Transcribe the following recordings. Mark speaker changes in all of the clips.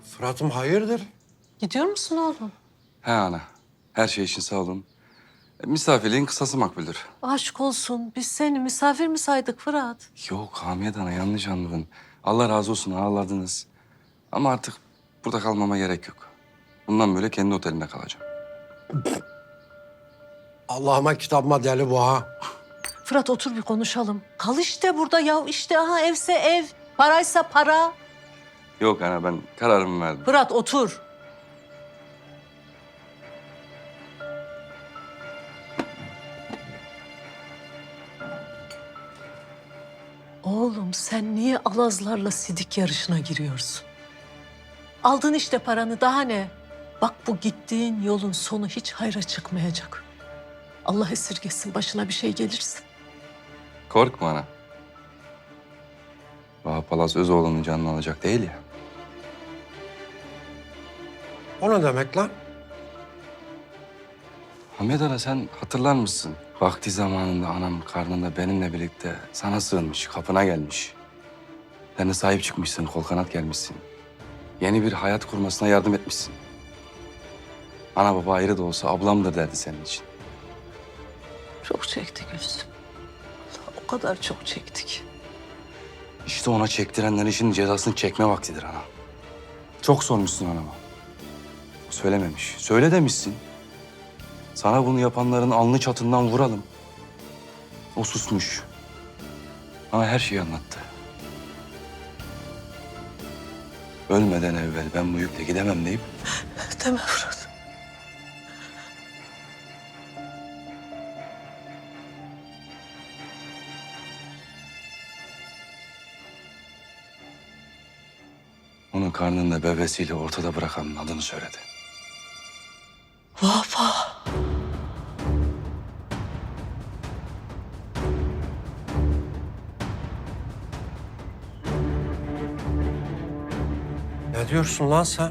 Speaker 1: Fırat'ım hayırdır?
Speaker 2: Gidiyor musun oğlum?
Speaker 3: He ana. Her şey için sağ olun. Misafirliğin kısası makbuldür.
Speaker 2: Aşk olsun. Biz seni misafir mi saydık Fırat?
Speaker 3: Yok Hamiyet ana yanlış anladın. Allah razı olsun ağırladınız. Ama artık burada kalmama gerek yok. Bundan böyle kendi otelimde kalacağım.
Speaker 1: Allah'ıma kitabıma deli bu ha.
Speaker 2: Fırat otur bir konuşalım. Kal işte burada ya. İşte aha evse ev. Paraysa para.
Speaker 3: Yok ana ben kararımı verdim.
Speaker 2: Fırat otur. Oğlum sen niye alazlarla sidik yarışına giriyorsun? Aldın işte paranı daha ne? Bak bu gittiğin yolun sonu hiç hayra çıkmayacak. Allah esirgesin başına bir şey gelirse.
Speaker 3: Korkma ana. Vahap Palaz Özoğlu'nun canını alacak değil ya.
Speaker 1: O ne demek lan?
Speaker 3: Hamiyet ana sen hatırlar mısın? Vakti zamanında anam karnında benimle birlikte sana sığınmış, kapına gelmiş. Sen de sahip çıkmışsın, kol kanat gelmişsin. Yeni bir hayat kurmasına yardım etmişsin. Ana baba ayrı da olsa ablamdır derdi senin için.
Speaker 2: Çok çekti Gülsüm. O kadar çok çektik.
Speaker 3: İşte ona çektirenlerin şimdi cezasını çekme vaktidir ana. Çok sormuşsun anama. O söylememiş. Söyle demişsin. Sana bunu yapanların alnı çatından vuralım. O susmuş. Ama her şeyi anlattı. Ölmeden evvel ben bu yükle gidemem deyip
Speaker 2: Deme Fırat.
Speaker 3: onun karnında bebesiyle ortada bırakanın adını söyledi.
Speaker 2: Baba.
Speaker 1: Ne diyorsun lan sen?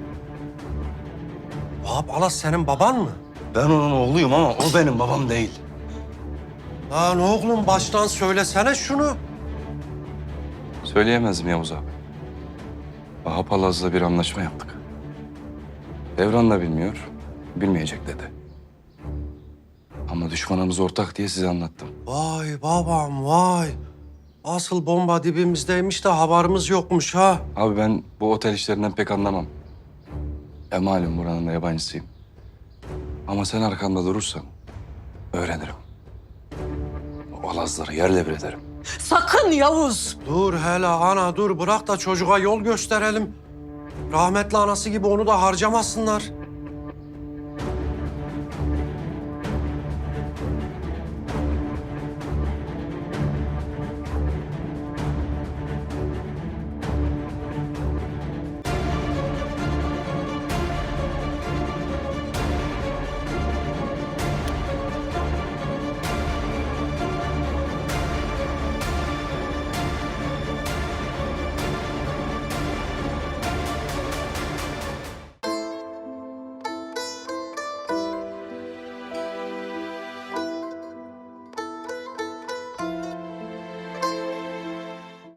Speaker 1: Vahap Alas senin baban mı?
Speaker 3: Ben onun oğluyum ama o benim babam değil.
Speaker 1: Lan oğlum baştan söylesene şunu.
Speaker 3: Söyleyemezdim Yavuz abi. Vahap Alaz'la bir anlaşma yaptık. Devran da bilmiyor, bilmeyecek dedi. Ama düşmanımız ortak diye size anlattım.
Speaker 1: Vay babam vay. Asıl bomba dibimizdeymiş de haberimiz yokmuş ha.
Speaker 3: Abi ben bu otel işlerinden pek anlamam. Malum buranın da yabancısıyım. Ama sen arkamda durursan öğrenirim. O Alazları yerle bir ederim.
Speaker 2: Sakın Yavuz.
Speaker 1: Dur hele ana dur bırak da çocuğa yol gösterelim. Rahmetli anası gibi onu da harcamasınlar.